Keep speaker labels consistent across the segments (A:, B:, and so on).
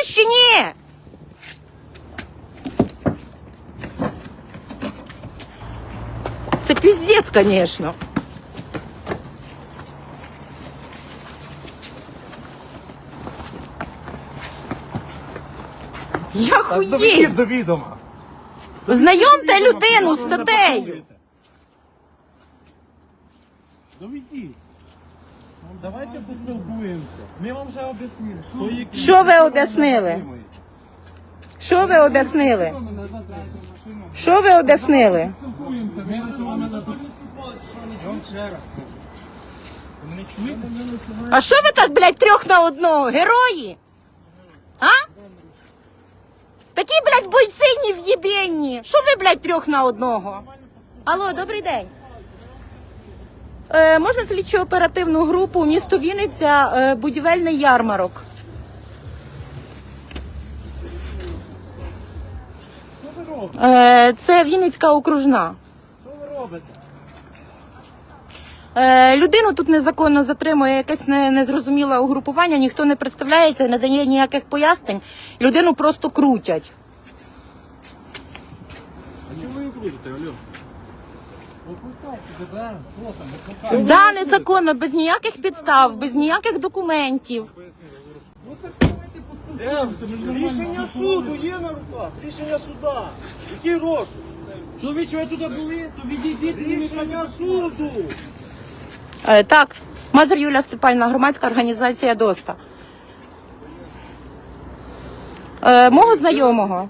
A: Чуєш чи ні? Це піздець, звісно. Я хуєю.
B: Доведіть до відома.
A: Знайомте людину з статтею.
B: Доведіть. Давайте поспілкуємося. Ми вам вже об'яснили.
A: Що ви об'яснили? Що ви об'яснили? Що ви об'яснили?
B: Спілкуємося. Ми на цьому мене тут. Я вам ще раз кажу. Ви мене чуєте?
A: А що ви так, блядь, 3 на 1? Герої? А? Такі, блядь, бойці нев'єбєнні. Що ви, блядь, 3 на 1? Алло, добрий день. Можна слідчо-оперативну групу, місто Вінниця, будівельний ярмарок.
B: Що ви робите?
A: Це Вінницька окружна.
B: Що ви робите?
A: Людину тут незаконно затримує якесь незрозуміле угрупування, ніхто не представляється, не дає ніяких пояснень. Людину просто крутять.
B: А чому ви її крутите, алло? Викликайте ДБР, що там, викликайте.
A: Да, незаконно, без ніяких підстав, без ніяких документів.
B: Ну так давайте поспілкуємося. Рішення суду є на руках, рішення суда. Який рок? Чоловіче, ви тут були, то відійдіть. Рішення суду.
A: Так, Мазур Юлія Степанівна, громадська організація ДОСТА. Мого знайомого.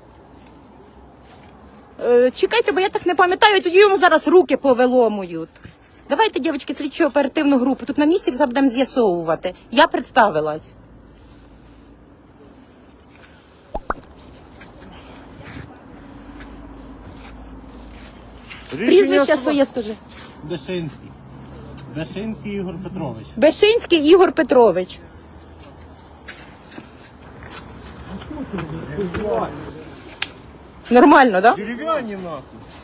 A: Чекайте, бо я так не пам'ятаю, тоді йому зараз руки повиломують. Давайте, дівчатки, слідчу оперативну групу. Тут на місці все будемо з'ясовувати. Я представилась. Прізвище своє скажи.
B: Бешинський. Бешинський Ігор Петрович.
A: Бешинський Ігор Петрович. Нормально, так? Да?
B: Дерев'яні нахуй.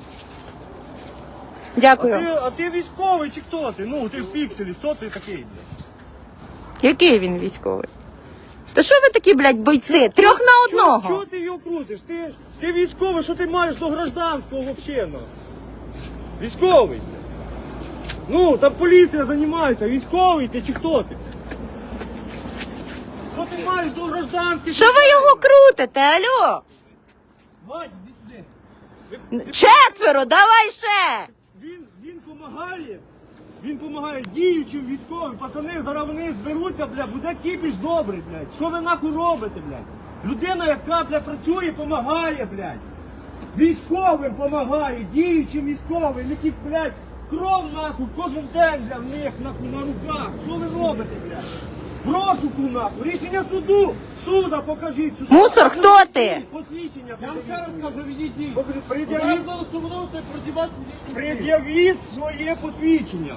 A: Дякую.
B: А ти військовий чи хто ти? Ну, ти в пікселі, хто ти такий, блядь?
A: Який він військовий? Та що ви такі, блядь, бойці? 3 на 1.
B: Чого ти його крутиш? Ти військовий, що ти маєш до гражданського взагалі? Військовий. Ну, там поліція займається, військовий ти чи хто ти? Що ти маєш до гражданських?
A: Що ви його крутите, алло?
B: Вадь, іди сюди.
A: 4, давай ще.
B: Він помагає діючим військовим. Пацани, зараз вони зберуться, бля, буде кіпіш добрий, блядь. Що ви нахуй робите, блядь? Людина, яка, бля, працює, помагає, блядь. Військовим помагає, діючим військовим, яких, блядь, кров нахуй кожен день, бля, в них нахуй на руках. Що ви робите, блядь? Розшуку нахуй, рішення суду. Суда покажіть сюди.
A: Мусор, хто ти?
B: Посвідчення.
C: Я вам ще раз кажу, відійдіть.
B: Пред'явіть.
C: Я голосувати проти вас фізичну силу.
B: Пред'явіть своє посвідчення.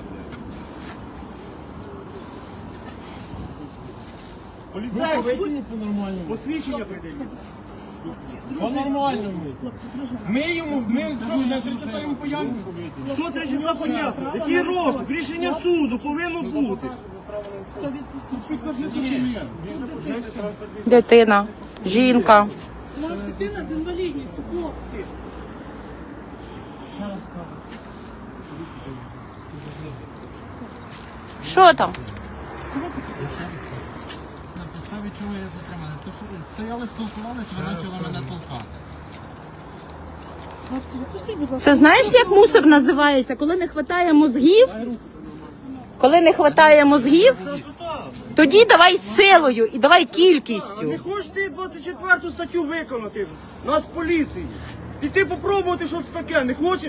B: Поліцейський,
C: Витягніть по-нормальному.
B: посвідчення пред'явіть.
C: По-нормальному. Ми на 3 часа йому пояснюємо.
B: Що 3 часа пояснює? Який розшук? Рішення суду повинно бути.
C: Підкажи документ.
A: Дитина, жінка.
D: Дитина з інвалідністю, хлопці.
A: Що там?
C: На підставі чого я затриманий? То що ви стояли, спілкувалися, ви почали мене толкати.
D: Хлопці, відпустіть, будь ласка.
A: Це знаєш, як мусор називається? Коли не вистачає мозгів? Коли не вистачає мозгів,
B: Красота.
A: тоді давай силою і давай
B: Не
A: кількістю.
B: хочеш ти 24 статтю виконати Нацполіції? Піти попробувати, що це таке, не хочеш?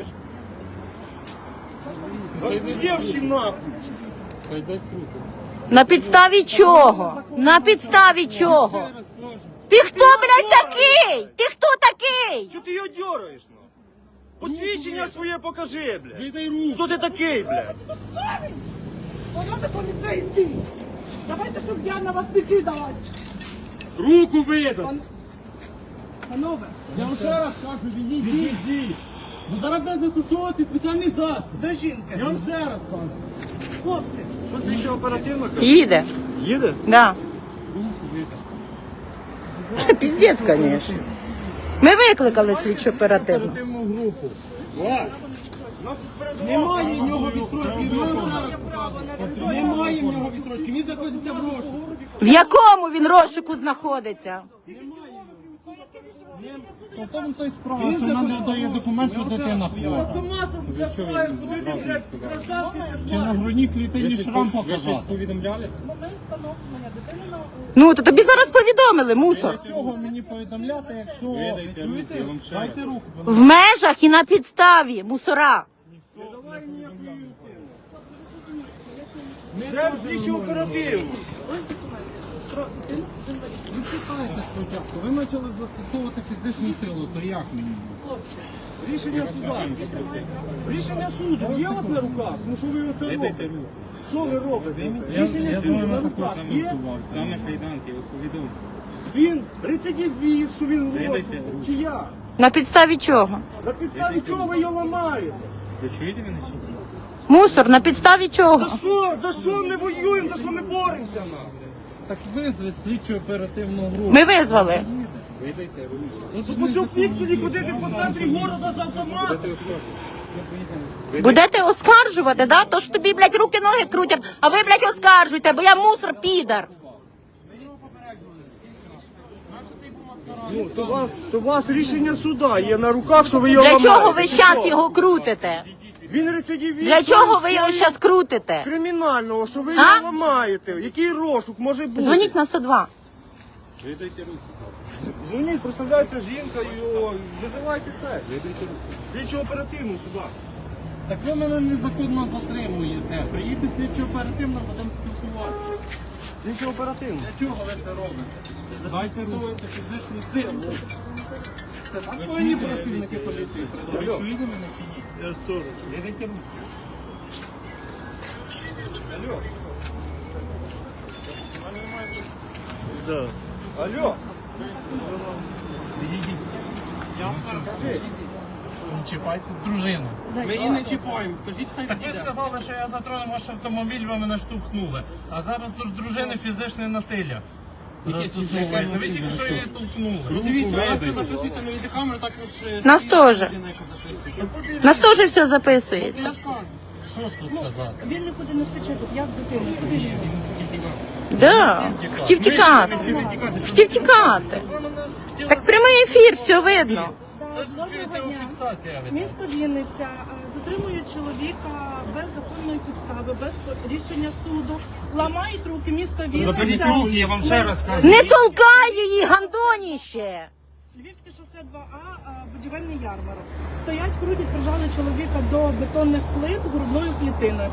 B: Дівчі нахуй.
C: Хай дасть руку.
A: На підставі чого? На підставі чого? Ти хто, блядь, такий? Ти хто такий?
B: Що ти його дьораєш, ну? Посвідчення своє покажи, блядь.
C: Віддай руку.
B: Хто ти такий, блядь?
D: Панове поліцейський, давайте, щоб я на вас не кидалась.
C: Руку видав.
D: Панове,
C: Я вам ще раз кажу, відійдіть. Ну зараз буде застосовувати спеціальний засіб.
D: де жінка?
C: Я вам ще раз кажу.
D: Хлопці,
B: Що слідчо оперативно каже?
A: Їде.
B: Їде?
A: Да.
C: Руку видав.
A: Це піздець, звісно. Ми викликали слідчу оперативну.
C: Оперативну групу.
B: Нас тут передавали.
C: Немає в нього відстрочки. Немає в нього відстрочки. Він знаходиться в розшуку.
A: В якому він розшуку знаходиться?
C: Потім той справа, що нам дає документ, що дитина
B: З
C: хвора.
B: автоматом, блядь, ховаєш, куди ти, блядь, гражданський
C: Чи на грудній клітині шрам показати?
B: повідомляли?
D: Момент встановлення дитини на
A: Ну, то тобі зараз повідомили, мусор.
C: Чого мені повідомляти, якщо ви чуєте? Дайте руку.
A: В межах і на підставі, мусора.
B: Давай ніякої Йдемо слідчу оперативну.
C: Ви чекайте спочатку. Ви почали застосовувати фізичну силу, то як мені?
B: Рішення суда. Рішення суду є у вас на руках? Ну що ви оце робите? Що ви робите? Рішення суду на руках є?
E: Саме кайданки, я повідомив.
B: Він рецидивіст, що він робить. Чи я?
A: На підставі чого?
B: На підставі чого ви його ламаєте?
E: Ви чуєте мене чи ні?
A: Мусор, на підставі чого?
B: За що? За що ми воюємо? За що ми боремося?
C: Так визвіть слідчу оперативну групу.
A: Ми визвали.
E: Видайте руку.
B: Тут по цьому пікселі ходити по центрі города з автоматом.
A: Будете оскаржувати, да? То ж тобі, блядь, руки-ноги крутять, а ви, блядь, оскаржуйте, бо я мусор, підар.
B: Ну, то у вас рішення суда є на руках, що ви його
A: Для
B: ламаєте.
A: чого ви щас його крутите?
B: Він рецидивіст.
A: Для чого ви його щас крутите?
B: Кримінального, що ви
A: А?
B: його ламаєте. Який розшук може бути?
A: Дзвоніть на 102.
E: Видайте руку.
B: Дзвоніть, представляється жінка, його, визивайте це. Слідчу оперативну сюди.
C: Так ви мене незаконно затримуєте. Приїдьте слідчо оперативно, будемо спілкуватися.
B: Слідчу оперативну.
C: Для чого ви це робите? Дайте руку фізичну силу. Це так повинні працівники поліції працювати.
E: Ви чуєте мене чи ні? Я сторож. Видайте руку.
B: Алло. Да. Алло.
C: Я вам зараз кажу. Не чіпайте дружину. Ми її не чіпаємо. Скажіть, хай так ви сказали, що я затронув ваш автомобіль, ви мене штовхнули. А зараз до дружини фізичне насилля. Застосовуєте. Ви тільки що її толкнули. Дивіться, у нас це записується на відеокамеру, також...
A: Нас теж. Нас теж все записується.
C: Я ж кажу. Що ж тут казати?
D: він нікуди не втече тут, я з дитиною. Куди він?
A: Да. Хотів тікати. Хотів тікати.
C: Ви мене хотіли...
A: Так прямий ефір, все видно.
C: Це ж відеофіксація.
D: Місто Вінниця затримує чоловіка без законної підстави, без рішення суду. Ламають руки, місто
E: Заберіть
D: Вінниця.
E: руки, я вам ще раз кажу.
A: Не толкай її, гандоніще.
D: Львівське шосе 2А, будівельний ярмарок. Стоять, крутять, прижали чоловіка до бетонних плит грудною клітиною.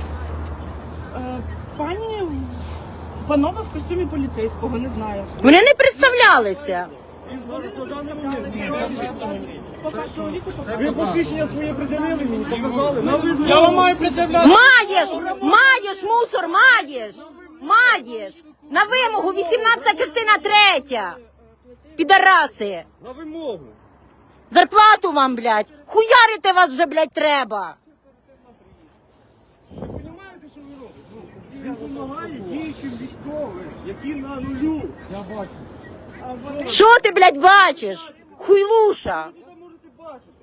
D: Панове в костюмі поліцейського, не знаю.
A: Вони не представлялися.
B: Він зараз на даний момент.
D: Поки чоловіку
B: Ви посвідчення своє приділили мені, показали. На видно.
C: Я вам маю пред'являти.
A: Маєш, мусор, маєш. На вимогу 18 частина 3. Підараси.
B: На вимогу.
A: Зарплату вам, блядь. Хуярити вас вже, блядь, треба.
B: Ви розумієте, що ви робите? Ну, він допомагає діючим військовим, які на нулю.
C: Я бачу.
A: Що ти, блядь, бачиш? Хуйлуша.
B: Ви це можете бачити.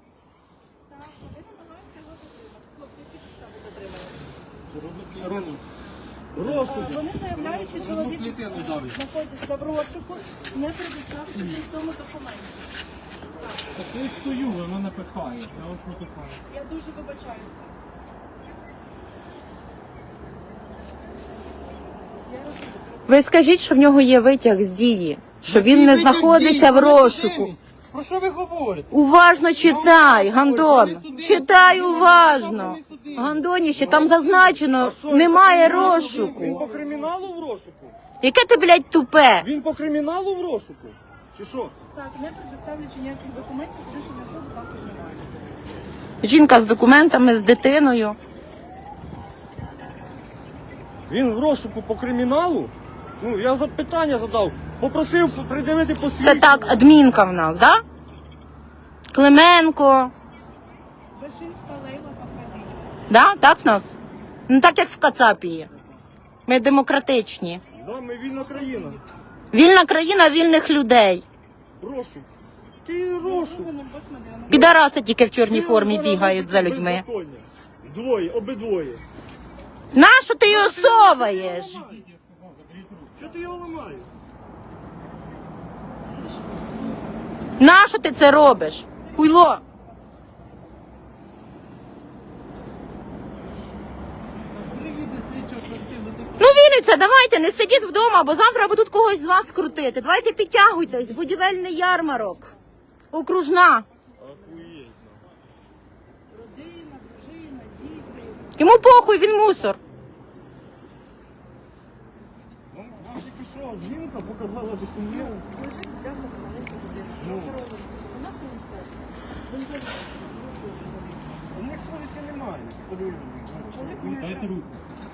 B: Розшук.
D: Вони заявляють, що чоловік
C: Клітину давить.
D: знаходиться в розшуку, не предоставивши при цьому документі.
C: Так я стою, ви мене пихаєте. Я вас не пихаю.
D: Я дуже вибачаюся.
A: Ви скажіть, що в нього є витяг з дії, що він не знаходиться в розшуку.
C: Про що ви говорите?
A: Уважно читай, Гандон. Читай уважно. Гандоніще, там зазначено, немає
B: Він
A: розшуку.
B: по криміналу в розшуку?
A: Яке ти, блядь, тупе?
B: Він по криміналу в розшуку? Чи що?
D: Так, не предоставлячи ніяких документів, рішення суду також немає.
A: Жінка з документами, з дитиною.
B: Він в розшуку по криміналу? Ну, я запитання задав. Попросив придивити посвідчення.
A: Це так, адмінка в нас, да? Клименко.
D: Вишинська Лейла Фахаді.
A: Да? Так в нас? Ну так як в Кацапії. Ми демократичні.
B: Да, ми вільна країна.
A: Вільна країна вільних людей.
B: Розшук. Ти розшук.
A: Підараси тільки в чорній формі бігають за людьми.
B: Беззаконня. Двоє, обидвоє.
A: Нащо ти його соваєш?
B: Що ти його ламаєш?
A: Нащо ти це робиш? Хуйло. Ну, Вінниця, давайте, не сидіть вдома, бо завтра будуть когось з вас крутити. Давайте підтягуйтесь, будівельний ярмарок. Окружна.
D: Родина, дружина, діти.
A: Йому похуй, він мусор.
B: Вам тільки що жінка показала документ. Ну. У них совісті немає. Подивіться.
E: Дайте руку.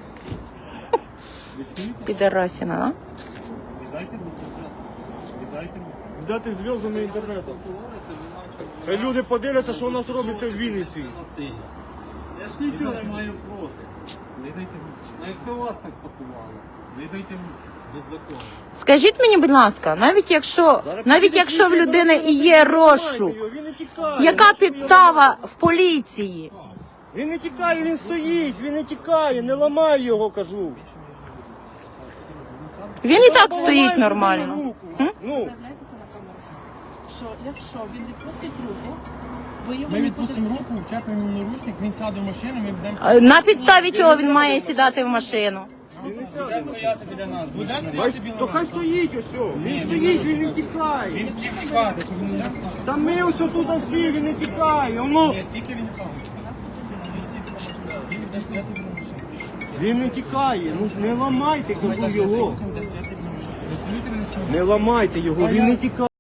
A: Підарасіна, да?
E: Віддайте руку. Віддайте руку.
B: Дати зв'язами інтернету. Хай люди подивляться, що у нас робиться в Вінниці.
C: Я ж нічого не маю проти.
E: Віддайте руку.
C: Ну якби вас так пакували,
E: Віддайте руку.
C: беззаконно.
A: Скажіть мені, будь ласка, навіть якщо в людини і є розшук,
B: Він не тікає.
A: яка підстава в поліції?
B: Він не тікає, він стоїть, він не тікає, не ламай його, кажу.
A: Він і так
B: Ламай
A: стоїть
B: собі
A: нормально.
B: руку.
A: М?
B: Ну,
D: Заявляйте це на камеру. Що якщо він відпустить руку, ви його
F: Ми
D: не
F: відпустимо
D: будете...
F: руку, вчепимо йому наручник, він сяде в машину, ми будемо...
A: На підставі чого він має сідати в машину?
B: він не сяде.
C: Стояти біля нас.
F: Буде
B: Хай-
F: стояти біля
B: То хай
F: нас.
B: стоїть ось. Він стоїть, він не тікає.
F: Він втік тікати, тому не знає.
B: Та ми ось тут всі, він не тікає. Воно.
F: Ні, тільки він сам. Він буде стояти біля машини.
B: Він не тікає. Ну не ламайте, кажу його.
F: Він буде стояти біля машини.
B: Не ламайте його, він не тікає.